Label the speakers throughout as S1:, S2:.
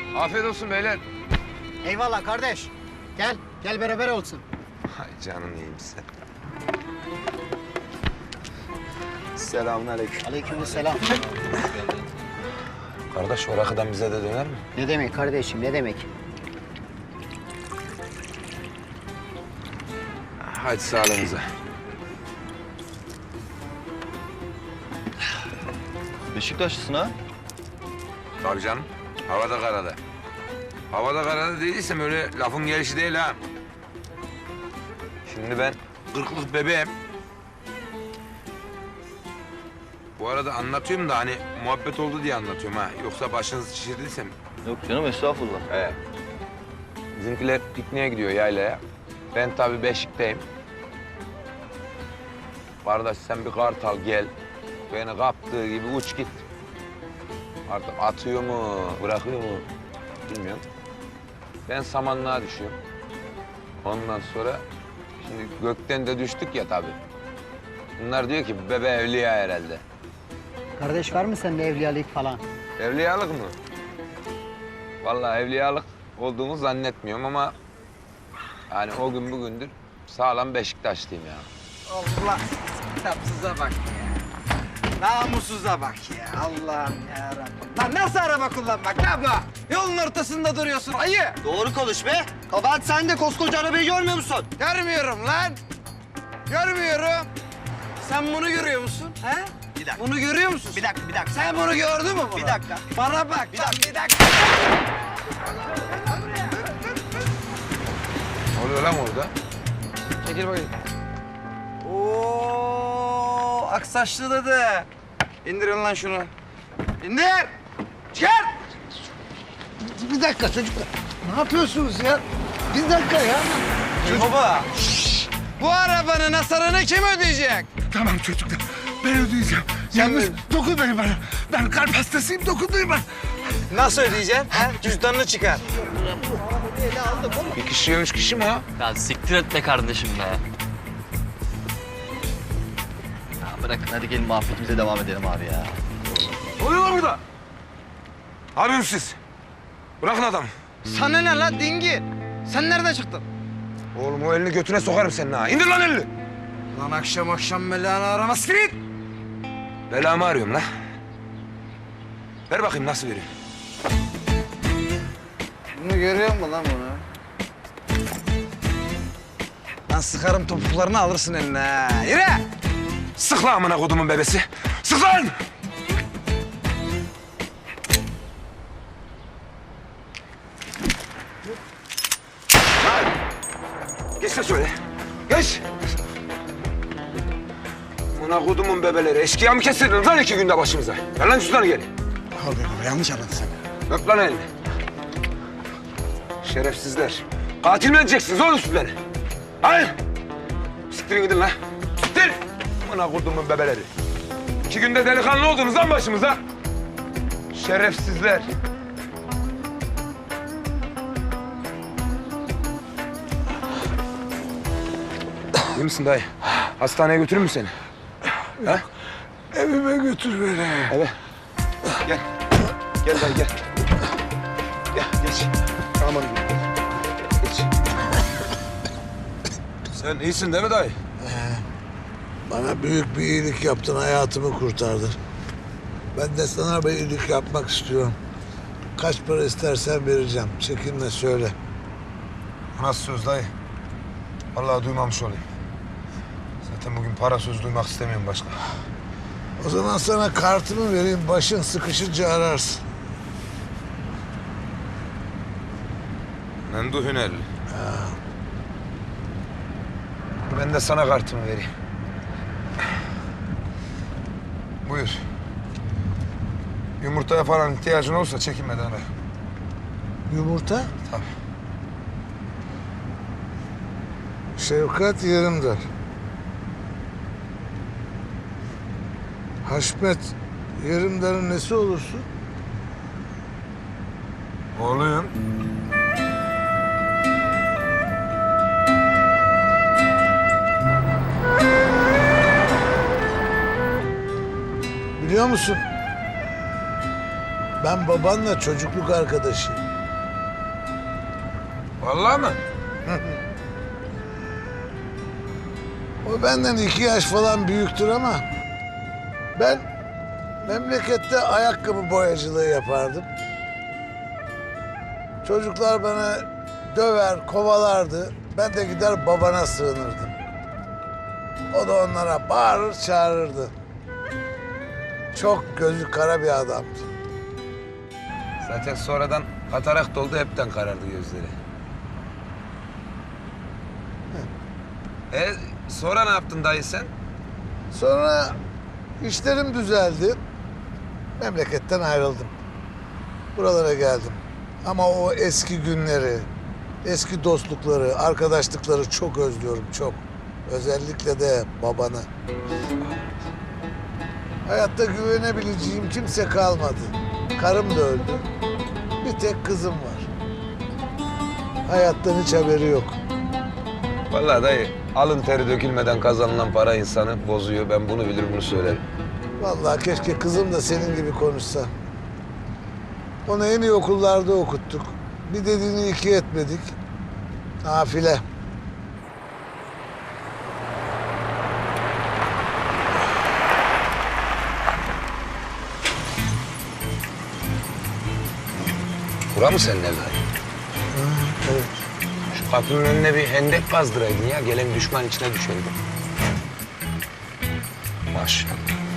S1: Afiyet olsun beyler.
S2: Eyvallah kardeş. Gel beraber olsun.
S1: Hay canın iyiyim sen. Selamünaleyküm.
S2: Aleykümselam.
S1: Kardeş o rakıdan bize de döner mi?
S2: Ne demek kardeşim, ne demek?
S1: Hadi sağlığınıza.
S3: Beşiktaşlısın ha?
S1: Tabii canım. Havada karada. Havada karada dediysem öyle lafın gelişi değil ha. Şimdi ben 40'lık bebeğim. Bu arada anlatıyorum da hani muhabbet oldu diye anlatıyorum ha. Yoksa başınızı şişirdiysem.
S3: Yok canım estağfurullah.
S1: Evet. Bizimkiler pikniğe gidiyor yaylaya. Ben tabii Beşik'teyim. Kardeş sen bir kartal gel. Beni kaptığı gibi uç git. Artık atıyor mu, bırakıyor mu bilmiyorum. Ben samanlığa düşüyorum. Ondan sonra şimdi gökten de düştük ya tabii. Bunlar diyor ki bebe evliya herhalde.
S2: Kardeş var mı sende evliyalık falan?
S1: Evliyalık mı? Vallahi evliyalık olduğumu zannetmiyorum ama yani o gün bugündür sağlam Beşiktaşlıyım ya.
S4: Allah kitapsıza bak ya. Namussuza bak ya. Allah'ım yarabbim. Lan nasıl araba kullanmak lan bu? Yolun ortasında duruyorsun ayı.
S3: Doğru konuş be. Kabahat sen de koskoca arabayı görmüyor musun?
S4: Görmüyorum lan. Görmüyorum. Sen bunu görüyor musun? He?
S3: Bir dakika.
S4: Bunu görüyor musun?
S3: Bir dakika.
S4: Sen bunu gördün mü bunu?
S3: Bir dakika.
S4: Bana bak.
S3: Bir dakika.
S4: Bir dakika.
S1: Ne oluyor lan orada? Çekil bakayım.
S4: Oo, aksaçlı dede. İndirin lan şunu. İndir. Çıkar.
S5: Bir dakika çocuklar. Ne yapıyorsunuz ya? Bir dakika ya.
S4: Baba. Bu arabanın hasarını kim ödeyecek?
S5: Tamam çocuklar. Ben ödeyeceğim. Yalnız dokunmayın bana. Ben kalp hastasıyım. Dokunmayın bana.
S4: Nasıl ödeyeceksin? Ha? Cüzdanını çıkar.
S1: Bir kişi, üç kişi mi o?
S6: Ya siktir et be kardeşim be.
S3: Ya bırakın hadi gelin muhabbetimize devam edelim abi ya.
S1: Ne oluyor lan burada? Ne yapıyorsunuz siz? Bırakın adamı.
S4: Sana ne lan dingi? Sen nereden çıktın?
S1: Oğlum o elini götüne sokarım senin ha. İndir lan elini.
S4: Lan akşam akşam belanı aramaz git.
S1: Belamı arıyorum la. Ver bakayım nasıl vereyim.
S4: Bunu görüyor musun lan bunu? Lan sıkarım topuklarını alırsın eline ha. Yürü!
S1: Sık lan amına kodumun bebesi. Sık lan! Geç de söyle. Geç. Amına kodumun bebeleri. Eşkıya mı kestirdiniz lan 2 günde başımıza? Ver lan cüzdanı geri.
S5: Abi yanlış anladın sen.
S1: Öp lan elini. Şerefsizler. Katil mi edeceksiniz oğlum siz beni? Hayır. Siktirin gidin lan. Siktir. Amına kodumun bebeleri. 2 günde delikanlı oldunuz lan başımıza. Şerefsizler. İyi misin dayı? Hastaneye götürür mü seni? Ha?
S5: Evime götür beni.
S1: Eve. Gel. Gel dayı gel. Gel geç. Aman geç. Sen iyisin değil mi dayı?
S5: Bana büyük bir iyilik yaptın. Hayatımı kurtardın. Ben de sana bir iyilik yapmak istiyorum. Kaç para istersen vereceğim. Çekinme söyle.
S1: Nasıl söz dayı? Vallahi duymamış olayım. Zaten bugün para söz duymak istemiyorum başka.
S5: O zaman sana kartımı vereyim. Başın sıkışınca ararsın.
S1: Mendu Hünerli. Ben de sana kartımı vereyim. Buyur. Yumurtaya falan ihtiyacın olursa çekinmeden ara.
S5: Yumurta?
S1: Tabii.
S5: Şevkat Yerimdar. Haşmet Yerimdar'ın nesi olursun?
S1: Oğlum.
S5: Biliyor musun? Ben babanla çocukluk arkadaşıyım.
S1: Vallahi mı?
S5: O benden 2 yaş falan büyüktür ama ben memlekette ayakkabı boyacılığı yapardım. Çocuklar bana döver, kovalardı. Ben de gider babana sığınırdım. O da onlara bağırır, çağırırdı. Çok gözü kara bir adamdı.
S1: Zaten sonradan katarakt oldu, hepten karardı gözleri. Sonra ne yaptın dayı sen?
S5: Sonra işlerim düzeldi. Memleketten ayrıldım. Buralara geldim. Ama o eski günleri, eski dostlukları, arkadaşlıkları çok özlüyorum, çok. Özellikle de babanı. Hayatta güvenebileceğim kimse kalmadı. Karım da öldü. Bir tek kızım var. Hayattan hiç haberi yok.
S1: Vallahi dayı, alın teri dökülmeden kazanılan para insanı bozuyor. Ben bunu bilir, bunu söylerim.
S5: Vallahi keşke kızım da senin gibi konuşsa. Onu en iyi okullarda okuttuk. Bir dediğini iki etmedik. Nafile.
S1: Bura mı senin ev dayı?
S5: Evet.
S1: Şu kapının önüne bir hendek kazdıraydın ya. Gelen düşman içine düşerdi. Maşallah.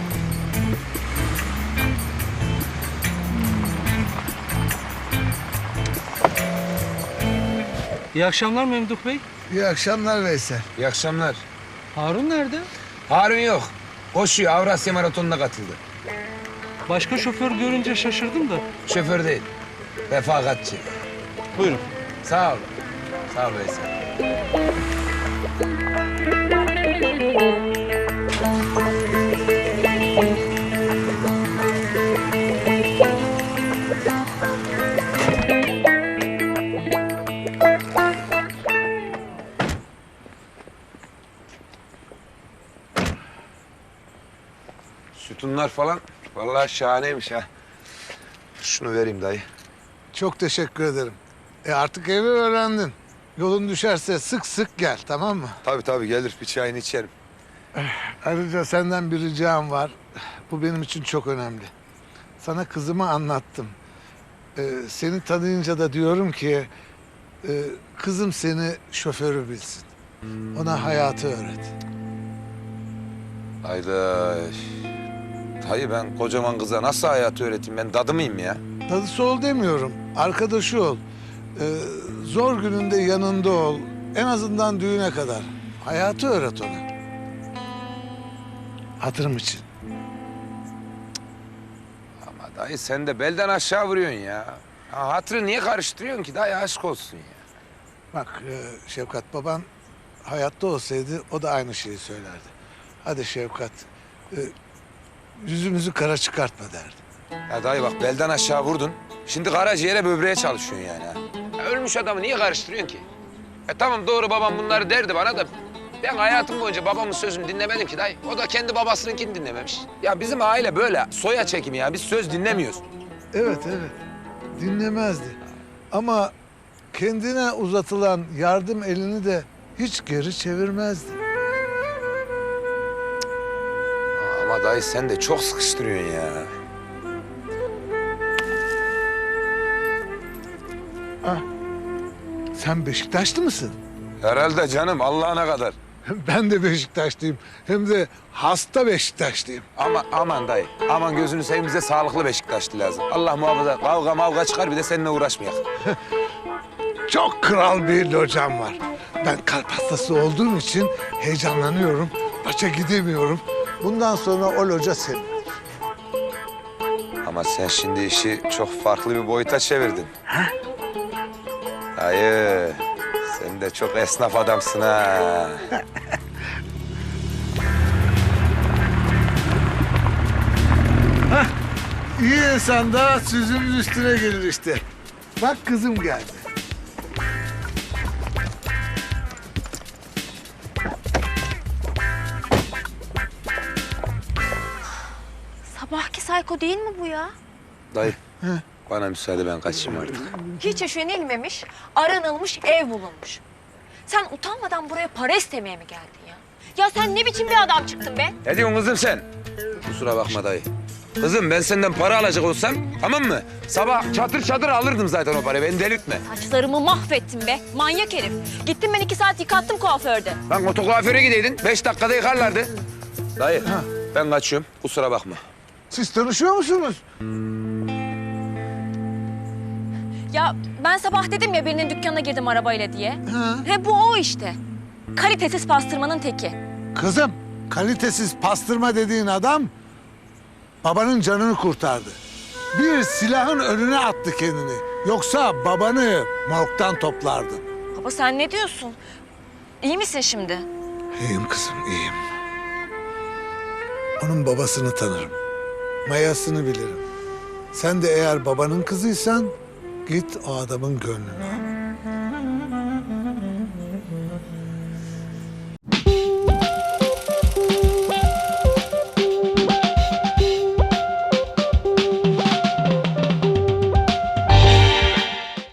S6: İyi akşamlar Memduh Bey.
S5: İyi akşamlar Veysel.
S1: İyi akşamlar.
S6: Harun nerede?
S1: Harun yok. Koşuyor. Avrasya Maratonu'na katıldı.
S6: Başka şoför görünce şaşırdım da.
S1: Şoför değil. Refakatçi.
S6: Buyurun.
S1: Sağ ol. Sağ ol Veysel. Sütunlar falan vallahi şahaneymiş ha. Şunu vereyim dayı.
S5: Çok teşekkür ederim. Artık evi öğrendin. Yolun düşerse sık sık gel, tamam mı?
S1: Tabii gelir, bir çayını içerim.
S5: Ayrıca senden bir ricam var. Bu benim için çok önemli. Sana kızımı anlattım. Seni tanıyınca da diyorum ki... kızım seni şoförü bilsin. Ona hayatı öğret.
S1: Hayda. Dayı ben kocaman kıza nasıl hayatı öğreteyim? Ben dadı mıyım ya?
S5: Dadısı ol demiyorum, arkadaşı ol. Zor gününde yanında ol. En azından düğüne kadar. Hayatı öğret ona. Hatırım için.
S1: Ama dayı sen de belden aşağı vuruyorsun ya. Ha, hatırı niye karıştırıyorsun ki? Dayı aşk olsun ya.
S5: Bak Şefkat baban hayatta olsaydı o da aynı şeyi söylerdi. Hadi Şefkat, yüzümüzü kara çıkartma derdi.
S1: Ya dayı bak belden aşağı vurdun. Şimdi karaciğere böbreğe çalışıyorsun yani ha. Ya ölmüş adamı niye karıştırıyorsun ki? Tamam doğru babam bunları derdi bana da... Ben hayatım boyunca babamın sözünü dinlemedim ki dayı. O da kendi babasınınkini dinlememiş. Ya bizim aile böyle soya çekimi ya. Biz söz dinlemiyoruz.
S5: Evet, dinlemezdi. Ama kendine uzatılan yardım elini de hiç geri çevirmezdi.
S1: Ama dayı sen de çok sıkıştırıyorsun ya.
S5: Sen Beşiktaşlı mısın?
S1: Herhalde canım Allah'ına kadar.
S5: Ben de Beşiktaşlıyım. Hem de hasta Beşiktaşlıyım.
S1: Ama aman dayı, aman gözünü seveyim bize sağlıklı Beşiktaşlı lazım. Allah muhafaza kavga mavga çıkar bir de seninle uğraşmayak.
S5: Çok kral bir locam var. Ben kalp hastası olduğum için heyecanlanıyorum. Maça gidemiyorum. Bundan sonra o loca senin.
S1: Ama sen şimdi işi çok farklı bir boyuta çevirdin. Dayı, sen de çok esnaf adamsın ha.
S5: İyi insan da sözümüz üstüne gelir işte. Bak kızım geldi.
S7: Sabahki sayko değil mi bu ya?
S1: Dayı, Bana müsaade, ben kaçayım artık.
S7: Hiç üşenilmemiş, aranılmış ev bulunmuş. Sen utanmadan buraya para istemeye mi geldin ya? Ya sen ne biçim bir adam çıktın be?
S1: Ne diyorsun kızım sen? Kusura bakma dayı. Kızım ben senden para alacak olsam, tamam mı? Sabah çatır çatır alırdım zaten o parayı, beni delirtme.
S7: Saçlarımı mahvettin be, manyak herif. Gittim ben 2 saat yıkattım kuaförde.
S1: Lan otokuaföre gideydin, 5 dakikada yıkarlardı. Dayı, ben kaçıyorum, kusura bakma.
S5: Siz tanışıyor musunuz?
S7: Ya ben sabah dedim ya birinin dükkanına girdim arabayla diye. He bu o işte. Kalitesiz pastırmanın teki.
S5: Kızım, kalitesiz pastırma dediğin adam babanın canını kurtardı. Bir silahın önüne attı kendini. Yoksa babanı morgdan toplardı.
S7: Baba sen ne diyorsun? İyi misin şimdi?
S5: İyiyim kızım, iyiyim. Onun babasını tanırım. Mayasını bilirim. Sen de eğer babanın kızıysan git o adamın gönlünü al.